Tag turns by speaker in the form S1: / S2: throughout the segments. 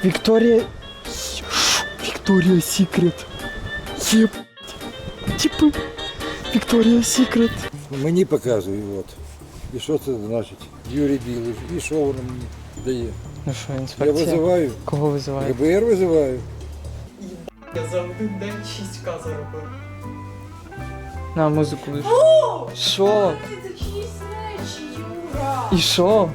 S1: Вікторія... Вікторія Сікрет. Єб... Типи. Вікторія Сікрет.
S2: Мені показує, от. І що це значить? Юрій Білий. І що воно мені дає?
S1: Ну що,
S2: Я
S1: інспекція?
S2: визиваю.
S1: Кого визиває?
S2: ГБР визиваю.
S1: Я за один день 6К заробив. На, музику лиш. Що?
S3: Це чиїсь речі, Юра!
S1: І що?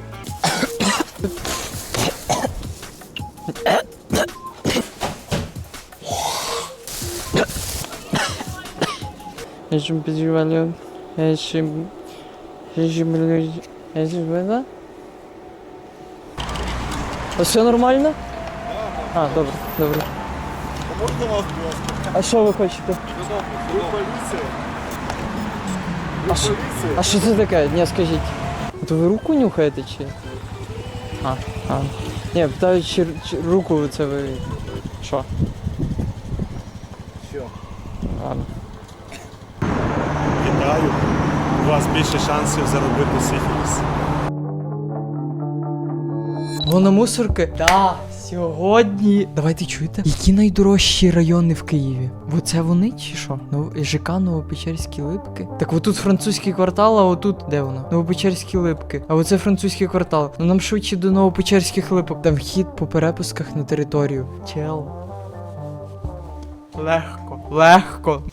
S1: Я же переживаю. Я же было? А все нормально? А, добре, добре.
S4: Можна вас, будь ласка?
S1: А що ви хочете?
S4: Ви поліція?
S1: А що? А що це таке? Ні, скажіть. То ви руку нюхаєте чи? А. Ні, питаю, чи руку це ви... Що?
S4: Що?
S1: Ладно.
S4: Вітаю. У вас більше шансів заробити сифіліс.
S1: Вона мусорки? Да, сьогодні. Давайте чуєте? Які найдорожчі райони в Києві? Бо це вони чи що? ЖК Новопечерські Липки. Так отут французький квартал, а отут де воно? Новопечерські Липки. А оце французький квартал. Ну нам швидше до Новопечерських Липок. Там вхід по перепусках на територію. Чел. Легко.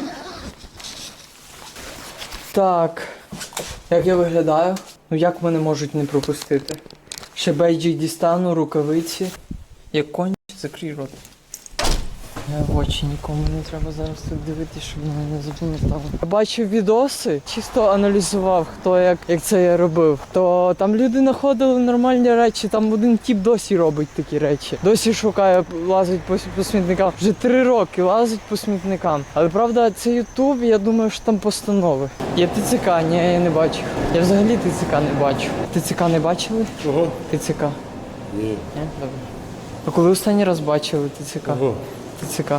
S1: Так. Як я виглядаю? Ну як мене можуть не пропустити? Ще бейджик дістану, рукавиці. Як конь, закрий рот. В очі нікому не треба зараз тут дивитися, щоб мене не запам'ятали. Я бачив відоси, чисто аналізував, хто як це я робив. То там люди знаходили нормальні речі, там один тіп досі робить такі речі. Досі шукає, лазить по смітникам. Вже 3 роки лазить по смітникам. Але правда, це Ютуб, я думаю, що там постанови. Є ТЦК, ні, я не бачив. Я взагалі ТЦК не бачу. ТЦК не бачили?
S4: Чого?
S1: ТЦК.
S2: Ні.
S1: Ні? Добре. А коли останній раз бачили ТЦК?
S2: Ого.
S1: ТЦК.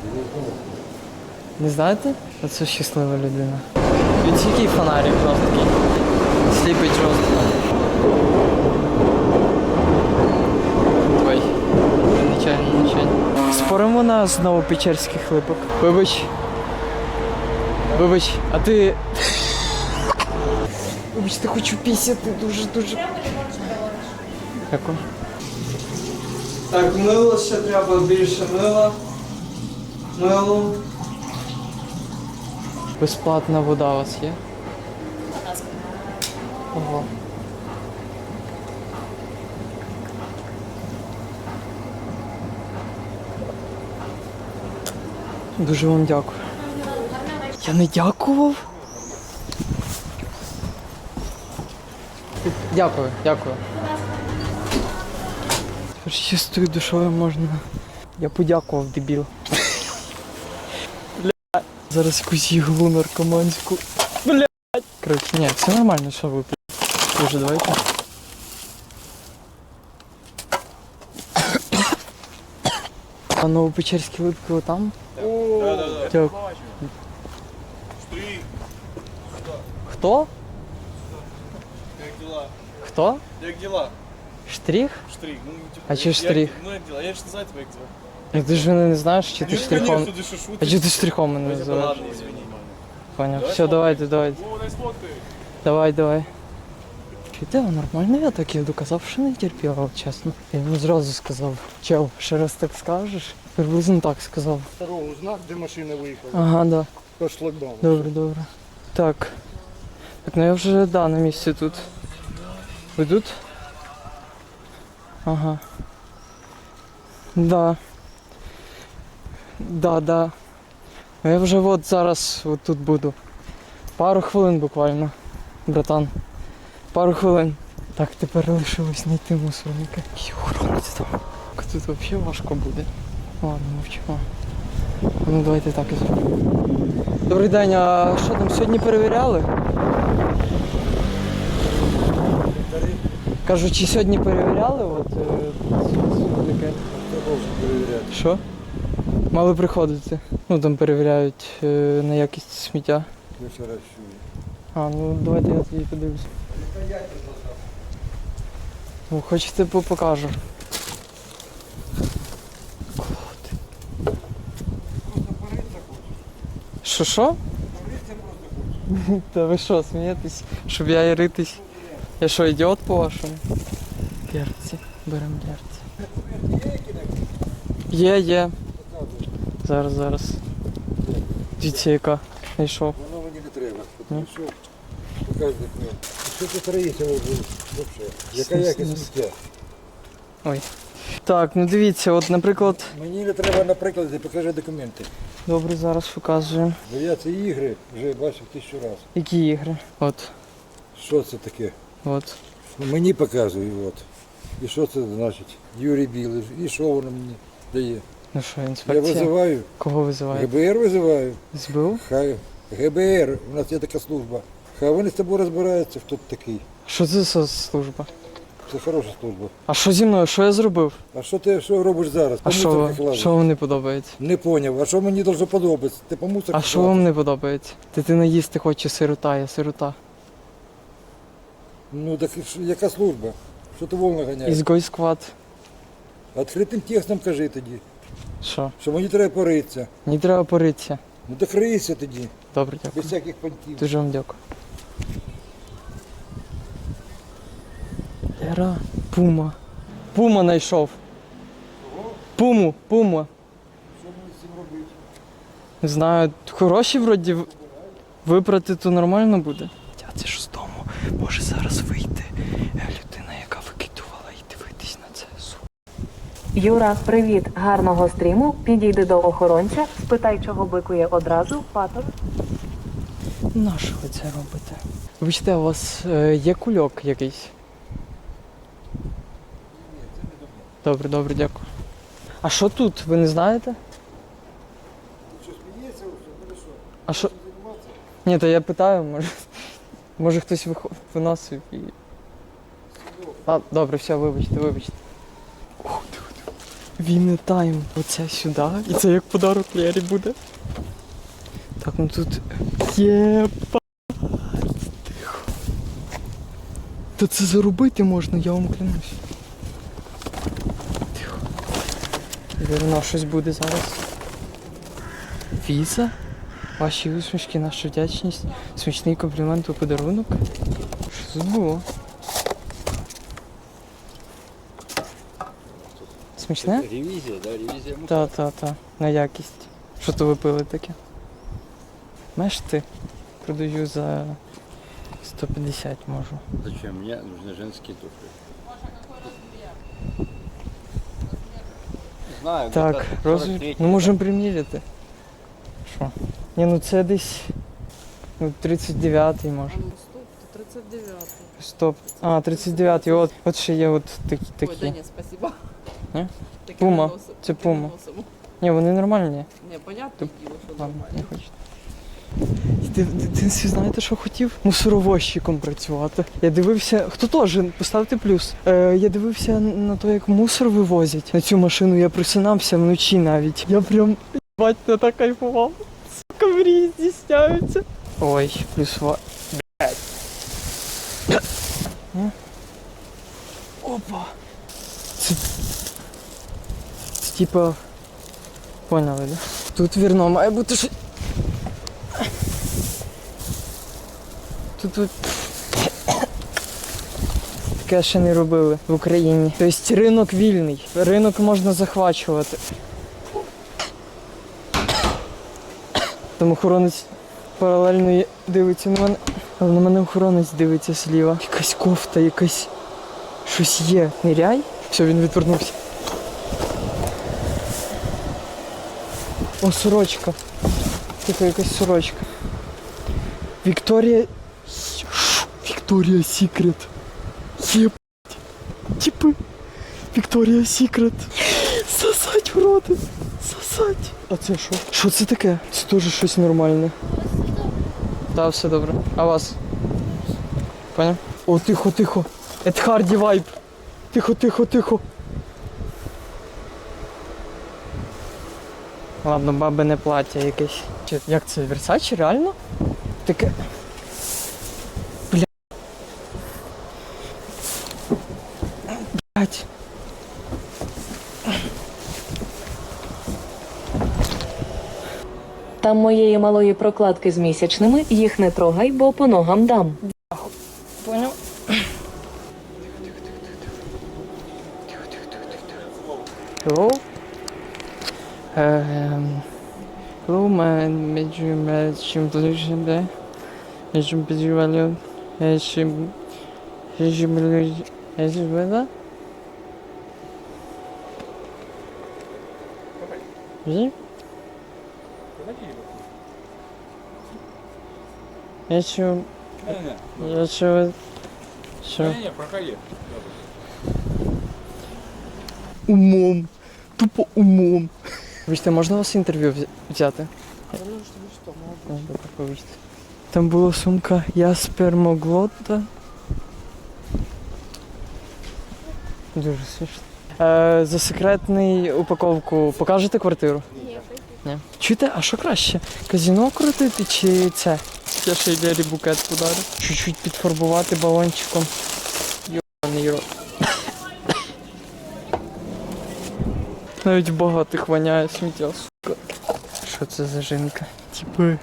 S1: Не знаєте? Оце щаслива людина. Він який фонарик жорсткий. Сліпить жорстко. Ой. Нечайно. Споримо на з Новопечерських Липок. Вибач, а ти... Вибачте, хочу пісяти дуже. Дякую. Так, мило ще треба, більше мила. Мило. Безплатна вода у вас є? Ого. Дуже вам дякую. Я не дякував? Дякую. Тепер з чистою душою можна. Я подякував, дебіл. Блядь. Зараз якусь іглу наркоманську. Блядь. Коротше, ні, все нормально, що ви, блядь. Дуже давайте. А Новопечерські Липки отам?
S4: Да.
S1: Дякую.
S4: Штрих.
S1: Хто?
S4: Як діла?
S1: Хто?
S4: Як діла?
S1: Штрих?
S4: Штрих. Ну, типу,
S1: А чи штрих?
S4: Ну, як діла? Я ж не знаю тебе, як звати.
S1: Ну ти ж мене не знаєш, чи ти
S4: Ну,
S1: штрихом?
S4: конечно, ти що
S1: А
S4: шутиш?
S1: чи ти штрихом мене
S4: Ладно,
S1: називаєш?
S4: извини.
S1: Поняв.
S4: Давай
S1: Все, давайте.
S4: О, дай сфоткай.
S1: Давай. Чуєте, нормально я так я доказав, що не терпіла, от чесно. Я йому зразу сказав. Чел, ще раз так скажеш? Приблизно так сказав.
S2: Дорогу знак, де машина виїхала.
S1: Ага, да.
S2: По шлагбауму.
S1: Добре. Так, ну я вже, на місці тут. Ви тут? Ага. Да. Ну я вже от зараз тут буду. Пару хвилин буквально, братан. Пару хвилин. Так, тепер лишилось знайти мусорника. І охоронець там. Тут взагалі важко буде. Ладно, мовчимо. Ну давайте так і зробимо. Добрий день, а що там сьогодні перевіряли? Кажу, чи сьогодні перевіряли? От таке.
S2: Треба вже перевіряти.
S1: Що? Мали приходити. Ну там перевіряють на якість сміття.
S2: Ми вчора чули.
S1: А, ну давайте я тоді подивлюсь. Ну, хочете покажу. Що? Та ви що, смієтесь? Щоб я і ритись? Я що, ідіот по-вашому? Перці. Беремо перці. Є. Зараз. Дивіться, яка. Знайшов.
S2: Воно мені не треба.
S1: Ні?
S2: Що? Покажи документ. Що тут строїться взагалі? Яка якість сміття?
S1: Ой. Так, ну дивіться, от, наприклад.
S2: Мені не треба на прикладі, покажи документи.
S1: Добре, зараз показуємо.
S2: Бо я ці ігри вже бачив 1000 разів.
S1: Які ігри? От.
S2: Що це таке?
S1: От.
S2: Мені показує, от. І що це значить? Юрій Білий. І що воно мені дає?
S1: Ну що,
S2: Я
S1: інспекція?
S2: визиваю,
S1: Кого визиваєте?
S2: ГБР визиваю.
S1: СБУ?
S2: Хай ГБР, у нас є така служба. Хай вони з тобою розбираються, хто ти такий.
S1: Що це за служба?
S2: Це хороша служба.
S1: А що зі мною? Що я зробив?
S2: А що ти робиш зараз?
S1: А що вам не подобається?
S2: Не поняв. А що мені должно подобатися? Ти по мусору?
S1: А що вам не подобається? Дитина їсти хоче сирота, я сирота.
S2: Ну так яка служба? Що ти волно ганяєш?
S1: Ізгой сквад.
S2: Відкритим текстом кажи тоді,
S1: Що?
S2: що мені треба поритися.
S1: Мені треба поритися.
S2: Ну так рийся тоді,
S1: Добре,
S2: без
S1: дякую.
S2: всяких понтів.
S1: Дуже вам дякую. Лера, пума. Пума знайшов. Пума.
S2: Що мені з цим робити?
S1: Не знаю, хороші вроді випрати, то нормально буде. Це ж з дому може зараз вийти людина, яка викидувала і дивитись на це.
S5: Юра, привіт, гарного стріму. Підійди до охоронця, спитай, чого бикує одразу, патер.
S1: Нащо ви це робите? Вибачте, у вас є кульок якийсь? Добре, дякую. А що тут, ви не знаєте?
S2: Що сміється? Ну що?
S1: А що?
S2: Займатися?
S1: Ні, то я питаю, може хтось виносив і... А, добре, все, вибачте. Ух, диви. Війни тайм. Оце сюди. І це як подарок Лері буде. Так, ну тут... Єпа. Тихо. Та це заробити можна, я вам клянусь. Тихо. Вірно, щось буде зараз. Віза? Ваші усмішки, наша вдячність, смачний комплімент у подарунок. Що тут було? Смачне?
S2: Ревізія, да, ревізія.
S1: Та. На якість. Що то ви пили таке? Знаєш ти? Продаю за 150 можу.
S6: Зачем? Мне нужны женские туфли. Знаю,
S1: Так,
S6: где-то
S1: розмір.
S6: 43-й,
S1: Ну можемо приміряти. Що? Ні, ну це десь. Ну 39-й може.
S3: Ну, стоп, то 39.
S1: Стоп. А, 39-й, от ще є от такі.
S3: Ой, да
S1: такі.
S3: ні, спасибо.
S1: Ні?
S3: Таке
S1: Пума.
S3: не носимо,
S1: Це
S3: таке
S1: пума.
S3: не носимо.
S1: Ні, вони нормальні.
S3: Не, понятне діло, що
S1: Ладно, не
S3: нормально.
S1: хочете. Ти в дитинстві знаєте, що хотів? Мусоровозчиком працювати. Я дивився, хто теж, поставте плюс. Я дивився на те, як мусор вивозять. На цю машину я просинався вночі навіть. Я прям, бать, не так кайфував. Сука, мрії здійсняються. Ой, плюс Опа. Це типа... Поняли, да? Тут вірно має бути щось. Тут таке ще не робили в Україні. Тобто ринок вільний. Ринок можна захвачувати. Там охоронець паралельно дивиться на мене. Але на мене охоронець дивиться зліва. Якась кофта, якась... Щось є. Ниряй. Все, він відвернувся. О, сорочка. Така якась сорочка. Вікторія Сікрет. Єбать. Типи. Вікторія Сікрет. Сосать в роти. Сосать. А це що? Що це таке? Це теж щось нормальне. Так, все добре. А вас? Поняв? О, тихо. Ед Харді вайб. Тихо. Ладно, баби не плаття якесь. Як це, Версачі, реально? Таке... Блять.
S5: Там моєї малої прокладки з місячними, їх не трогай, бо по ногам дам.
S1: Понял? Hello? Hello, my major matching position there. Major value. Ні? Я що? Я що? Що?
S6: Ні, проходи.
S1: Умом. Тупо умом. Вибачте, можна у вас інтерв'ю взяти? Добре, вибачте. Там була сумка Я спермоглота. Дуже смішно. За секретний упаковку покажете квартиру? Ні. Чуєте, а що краще? Казино крутити чи це? Я ще й Лері букет подарю. Чуть-чуть підфарбувати балончиком. Йобаний рот. Навіть в багатих воняє сміття, сука. Що це за жінка? Типи.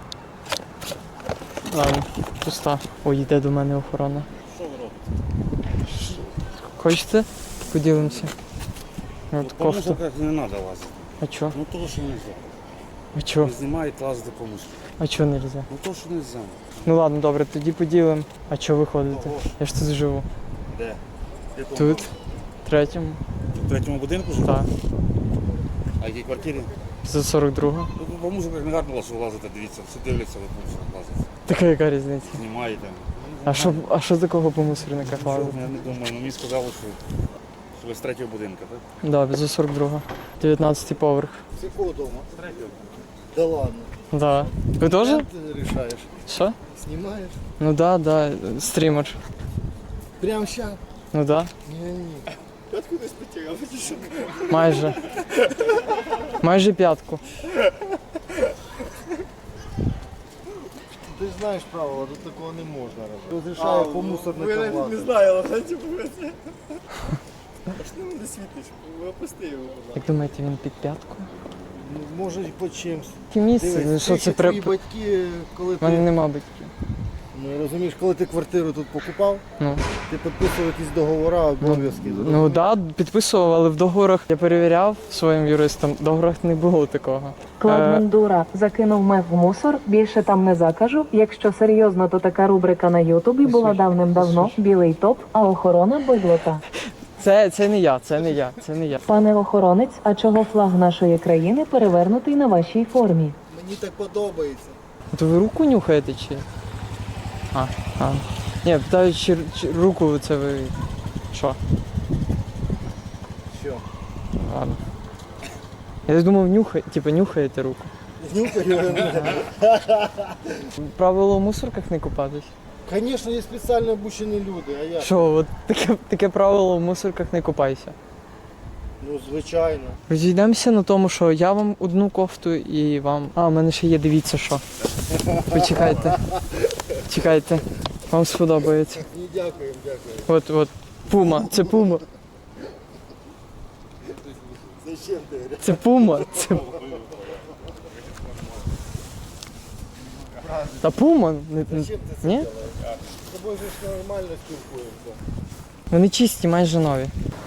S1: Ладно, пуста. Ой, йде до мене охорона.
S6: Що ви робите?
S1: Хочете? Поділимося. От
S6: По
S1: кофту.
S6: мусорках не треба лазити.
S1: А чо?
S6: Ну то, що не можна.
S1: А чо?
S6: Не знімають лазити по мусору.
S1: А чо нельзя?
S6: Ну то, що не можна.
S1: Ну ладно, добре, тоді поділимо. А чо ви ходите?
S6: Того ж.
S1: Я ж тут живу.
S6: Де? В якому?
S1: Тут, третьому.
S6: В третьому будинку живе?
S1: Так.
S6: А в якій квартирі?
S1: За 42-го.
S6: Ну, по мусорках не гарно що лазити, дивіться. Всі дивляться, ви по мусорах лазите.
S1: Така яка різниця?
S6: Знімаєте.
S1: А що такого по мусорниках
S6: Що,
S1: лазити?
S6: я не думаю, ну мені сказали, що ви з третього будинку, так?
S1: Да, за 42-го. 19-й поверх.
S7: С какого дома?
S6: З третього.
S7: Да ладно.
S1: Да. Ви теж?
S7: Ты решаешь.
S1: Що?
S7: Снимаешь?
S1: Ну да, стрімер.
S7: Прямо сейчас?
S1: Ну да.
S7: Не-не. Откуда спятил?
S1: Майже. Майже п'ятку.
S7: Ты ж знаешь правила, тут такого не можно робити. Розрішаю по мусорникам лазити.
S8: знаю, але типу це. А що ти мене світиш? Опусти його, будь ласка.
S1: Як думаєте, він під п'яткою?
S7: Ну, може і по чимсь.
S1: Яке місце? Ну, що це
S7: твої
S1: при...
S7: батьки, коли
S1: У мене
S7: ти,
S1: нема батьків.
S7: ну, розумієш, коли ти квартиру тут покупав,
S1: Ну.
S7: ти підписував якісь договори, обов'язки.
S1: Ну да, підписував, але в договорах я перевіряв своїм юристом, в договорах не було такого.
S5: Кладмендура закинув мев в мусор, більше там не закажу. Якщо серйозно, то така рубрика на Ютубі була давним-давно. Білий топ, а охорона бидлота.
S1: Це не я, це не я, це не я.
S5: Пане охоронець, а чого флаг нашої країни перевернутий на вашій формі?
S7: Мені так подобається.
S1: То ви руку нюхаєте чи? А. Ні, питаю, чи руку це ви. Що?
S7: Що?
S1: Ладно. Я думав, нюхаєте руку.
S7: Нюхаю.
S1: Правило в мусорках не купатись.
S7: Звісно, є спеціально обучені люди, а я?
S1: Що, от таке правило в мусорках не купайся.
S7: Ну, звичайно.
S1: Розійдемося на тому, що я вам одну кофту і вам. А, у мене ще є, дивіться що. Почекайте. Чекайте. Вам сподобається.
S7: Ні, дякую, дякую.
S1: От, пума, це пума.
S7: Зачем ти?
S1: Це пума. Це... Та пума.
S7: Зачем ти це
S1: Ні?
S7: робиш? З тобою ж нормально спілкуємося.
S1: Вони чисті, майже нові.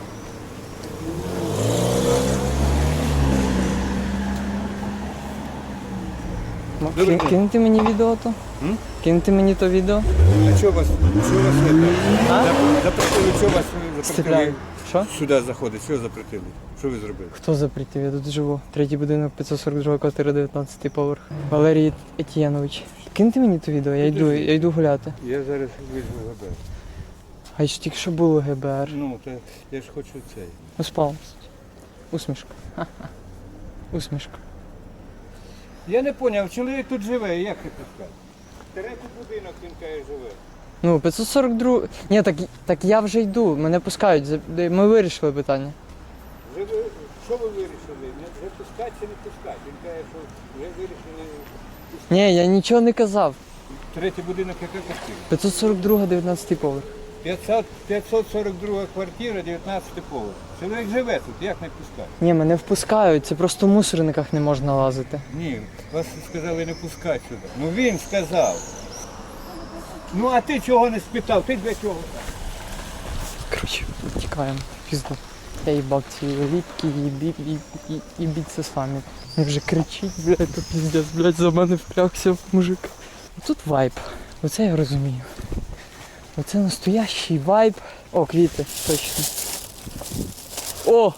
S1: Киньте мені відео то? Киньте мені то відео.
S2: А що вас запретили, що вас
S1: Стріляю. Що?
S2: сюди заходить? Що запретили? Що ви зробили?
S1: Хто запретив? Я тут живу. Третій будинок, 542 квартира, 19-й поверх. Валерій Етєнович. Киньте мені то відео, я йду гуляти.
S2: Я зараз візьму ГБР.
S1: А ж тільки що було ГБР.
S2: Ну, то я ж хочу цей.
S1: Успав. Усмішка. Ха-ха. Усмішка.
S2: Я не зрозумів, чоловік тут живе, як ти пускаєш? Третій будинок він каже живе.
S1: Ну, 542. Ні, так я вже йду, мене пускають. Ми вирішили питання.
S2: Живе, що ви вирішили? Не пускати чи не пускати? Він каже, що вже вирішили.
S1: Ні, я нічого не казав.
S2: Третій будинок яка квартира?
S1: 542, 19 поверх.
S2: 542 квартира, 19 поверх.
S9: Чоловік живе тут, як не пускати?
S1: Ні, мене впускають, це просто в мусорниках не можна лазити.
S9: Ні, вас сказали не пускати сюди. Ну він сказав. Ну а ти чого не спитав? Ти для чого?
S1: Коротше, тікаємо, пізно. Я їбав ці ліпки, їбіться самі. Він вже кричить, блядь, то піздець, блядь, за мене впрягся мужик. Тут вайб, оце я розумію. Оце настоящий вайб. О, квіти, точно. О!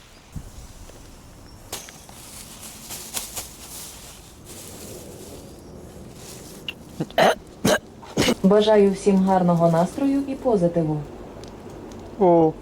S5: Бажаю всім гарного настрою і позитиву.
S1: О!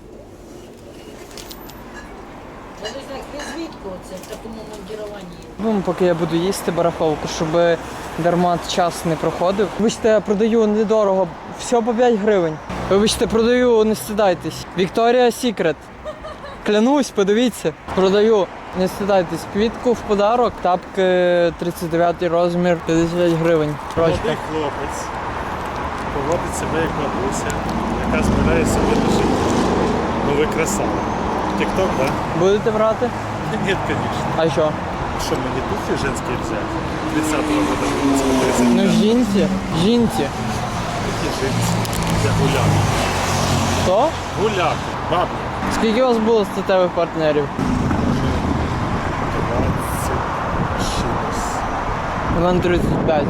S3: Звідки оце в такому мандіруванні?
S1: Ну, поки я буду їсти барахолку, щоб дарма час не проходив. Вибачте, я продаю недорого, все по 5 гривень. Вибачте, продаю, не стидайтесь. Вікторія Сікрет. Клянусь, подивіться. Продаю, не стидайтесь. Квітку в подарок, тапки 39 розмір, 50 гривень.
S4: Молодий
S1: Рочка.
S4: хлопець поводить себе як бабуся, яка збирає собі до життя. Ну ви красава. Тік-ток, так?
S1: Будете брати?
S4: Да? Ні, звісно.
S1: А що?
S4: Що, мені туфлі женські взяти? 30-го року.
S1: Ну жінці.
S4: Які жінці? Це гуляки.
S1: Що?
S4: Гуляки. Бабі.
S1: Скільки у вас було статевих партнерів?
S4: 20 чимось.
S1: У мене 35.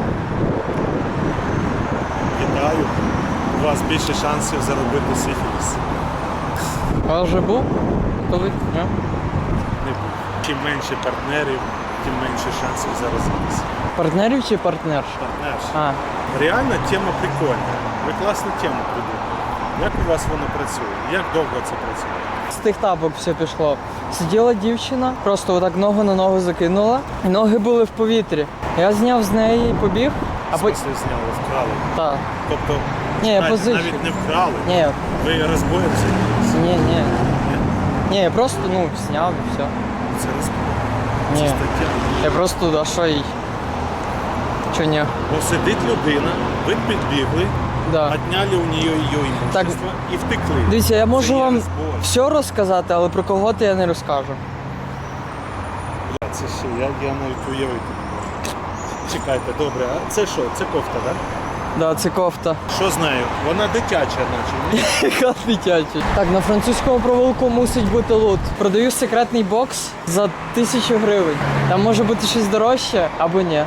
S4: Вітаю. У вас більше шансів заробити сифіліс.
S1: У вас вже був? Коли? Ні?
S4: Не буде. Чим менше партнерів, тим менше шансів заразитися.
S1: Партнерів чи партнерш?
S4: Партнерш.
S1: А,
S4: Реально тема прикольна. Ви класну тему придумали. Як у вас воно працює? Як довго це працює?
S1: з тих тапок все пішло. Сиділа дівчина, просто отак ногу на ногу закинула, і ноги були в повітрі. Я зняв з неї і побіг, а потім...
S4: Смисли зняли, вкрали.
S1: Так.
S4: Тобто
S1: Ні, я
S4: навіть
S1: позичив.
S4: не вкрали.
S1: Ні,
S4: Ви розбоєм займалися.
S1: ні. Ні, я просто, зняв і все.
S4: Це розбой. Це
S1: Ні.
S4: стаття.
S1: Я просто, а що їй? Чо ні?
S4: Бо сидить людина, ви підбігли,
S1: Да.
S4: отняли у неї її імущество і втекли.
S1: Дивіться, я можу
S4: Це є
S1: вам
S4: розбой.
S1: все розказати, але про кого-то я не розкажу.
S4: Бля, це ще, я навіть уявити не можу. Чекайте, добре, а це що? Це кофта, так?
S1: Да, це кофта.
S4: Що з нею? Вона дитяча, наче. ні?
S1: Яка дитяча. Так, на французькому провулку мусить бути лут. Продаю секретний бокс за 1000 гривень. Там може бути щось дорожче або ні.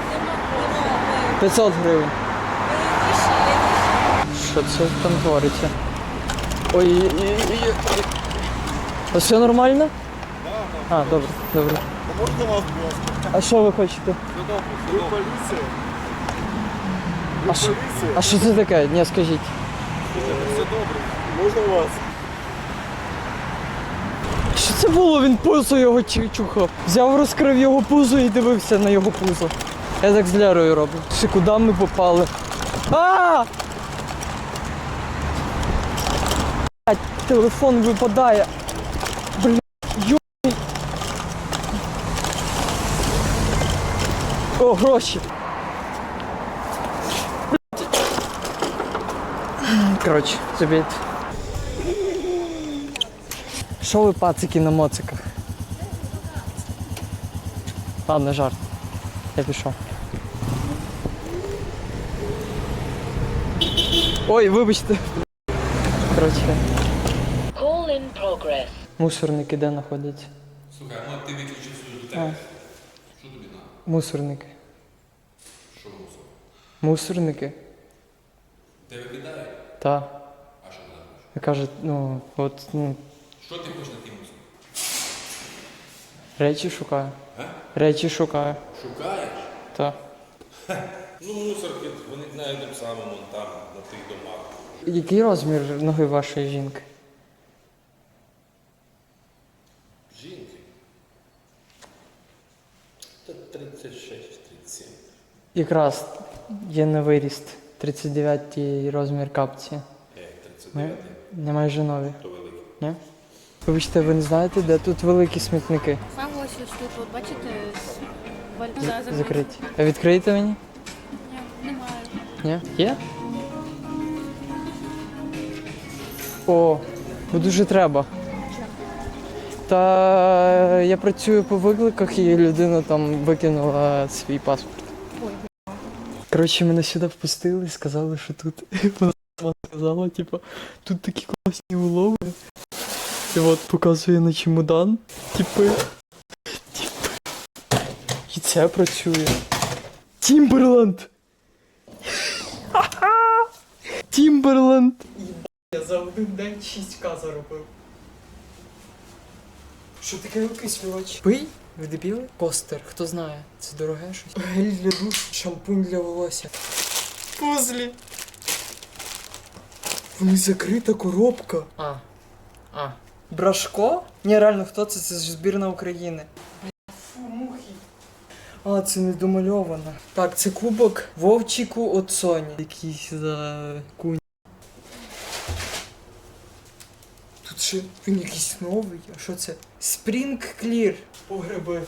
S1: 500 гривень. Що це там твориться? Ой. А все нормально? А, добре.
S8: Можна вас, будь ласка?
S1: А що ви хочете?
S8: Ви поліція?
S1: А що це таке? Ні, скажіть.
S8: Все добре. Можна вас?
S1: Що це було? Він пузо його чухав. Взяв, розкрив його пузо і дивився на його пузо. Я так з Лерою роблю. Ще куди ми попали? А! Блядь, телефон випадає. Блядь, йой. О, гроші. Блядь. Коротше, забіть. Що ви пацики на моциках? Ладно, жарт. Я пішов. Ой, вибачте. Коротше.
S10: Call in progress.
S1: Мусорники де знаходяться?
S6: Слухай, ну ти виключив свою дитину. Що тобі надо?
S1: Мусорники.
S6: Що мусор?
S1: Мусорники?
S6: Де викидає?
S1: Та.
S6: А що ти там хочеш?
S1: Я кажу,
S6: Що ти хочеш на тій мусор?
S1: речі шукаю.
S6: А?
S1: Речі шукаю.
S6: Шукаєш?
S1: Та.
S6: Ну мусорки, вони на тим самому там, на тих домах.
S1: Який розмір ноги вашої жінки?
S6: Жінки? Та 36-37.
S1: Якраз є на виріст. 39 розмір капці.
S6: 39
S1: Не майже нові.
S6: то великий.
S1: Ні? Вибачте, ви не знаєте, де тут великі смітники?
S11: Саме ось тут, от бачите,
S1: Закриті. А відкриєте мені?
S11: Ні, немає.
S1: Ні? Є? О, бо дуже треба. Та я працюю по викликах і людина там викинула свій паспорт. Коротше, мене сюди впустили і сказали, що тут вона сама сказала, типу, тут такі класні улови. І от показує на чемодан, типи. І це працює. Тімберленд! Тімберленд! Я за один день 6К заробив. Що таке окислювач? Пий? Ви дебіли? Костер, хто знає, це дороге щось. Гель для душу, шампунь для волосся. Пузлі! В них закрита коробка. Брашко? Ні, реально, хто це? Це ж збірна України. Фу, мухи. Це не домальовано. Так, це кубок Вовчику от Соні. Якийсь за кунь. Тут ще він якийсь новий. А що це? Spring Clear. Погреби.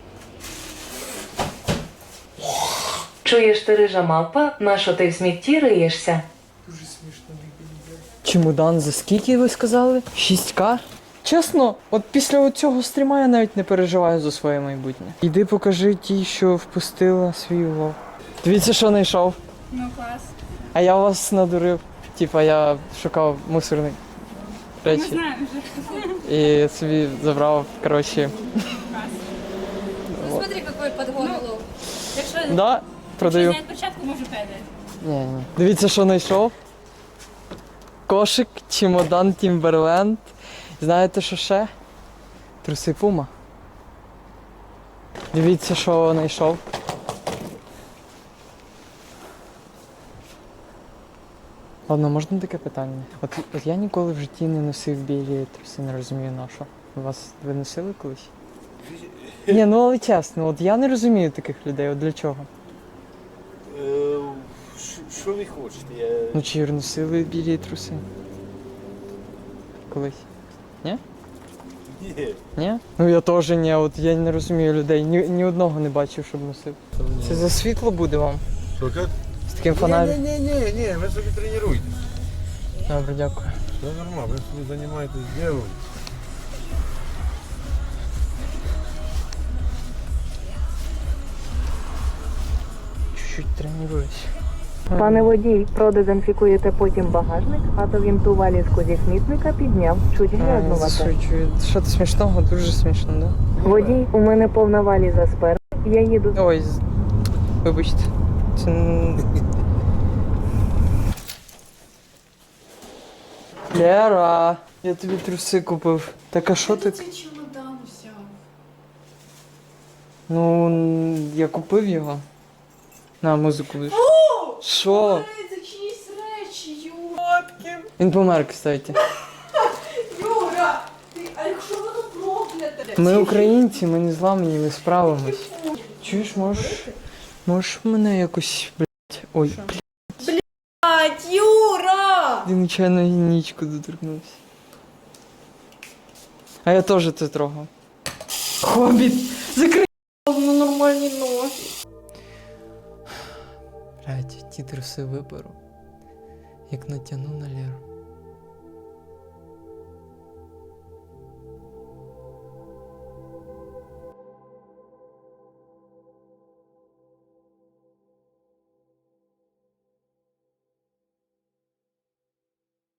S5: Чуєш ти, рижа мавпа, нащо ти в смітті риєшся?
S1: Дуже смішно. Чемодан за скільки ви сказали? 6К? Чесно, от після цього стріма я навіть не переживаю за своє майбутнє. Іди покажи тій, що впустила свій улов. Дивіться, що знайшов.
S11: Ну клас.
S1: А я вас надурив. Типа я шукав мусорні
S11: Ми
S1: речі.
S11: знаємо вже.
S1: І собі забрав, коротше.
S11: Ну, смотри, какой подгон улов. Якщо
S1: Да, продаю.
S11: зняти початку, можу передати.
S1: Ні. Дивіться, що знайшов. Кошик, чемодан Тімберленд. Знаєте, що ще? Труси Пума. Дивіться, що знайшов. Ладно, можна таке питання? От я ніколи в житті не носив білі труси, не розумію на що. Ви носили колись? Ні, ну але чесно, от я не розумію таких людей, от для чого?
S8: Що ви хочете?
S1: Ну чи носили білі труси? Колись?
S8: Ні.
S1: Ні? Ну я теж ні, от я не розумію людей, ні одного не бачив, щоб носив. Це за світло буде вам? З таким фонарем?
S2: Ні, ви собі тренуєте.
S1: Добре, дякую.
S2: Все нормально, ви собі займаєтесь ділом.
S1: Чуть-чуть тренуюсь.
S5: Пане водій, продезінфікуєте потім багажник, а то він ту валізку зі смітника підняв, чуть грязнувате.
S1: Засуджую. Що то смішного? Дуже смішно, да?
S5: Водій, у мене повна валіза спереду, я їду.
S1: Ой, вибачте. Це... Лера, я тобі труси купив. Так а що ти?
S11: Цей чемодан взяв.
S1: Ну, я купив його. На, музику будеш. Що?
S11: Це чиїсь речі, Юра.
S1: Він помер, кстати.
S11: Юра, а якщо воно прокляте?
S1: Ми українці, ми не зламані, ми справимось. Чуєш, можеш мене якось, блядь, ой, блядь.
S11: Юра!
S1: Ти нечайно нічку доторкнувся. А я теж це трогав. Хобіт! Закрий на нормальні ноги. Блядь, ті труси виберу. Як натягну на Леру.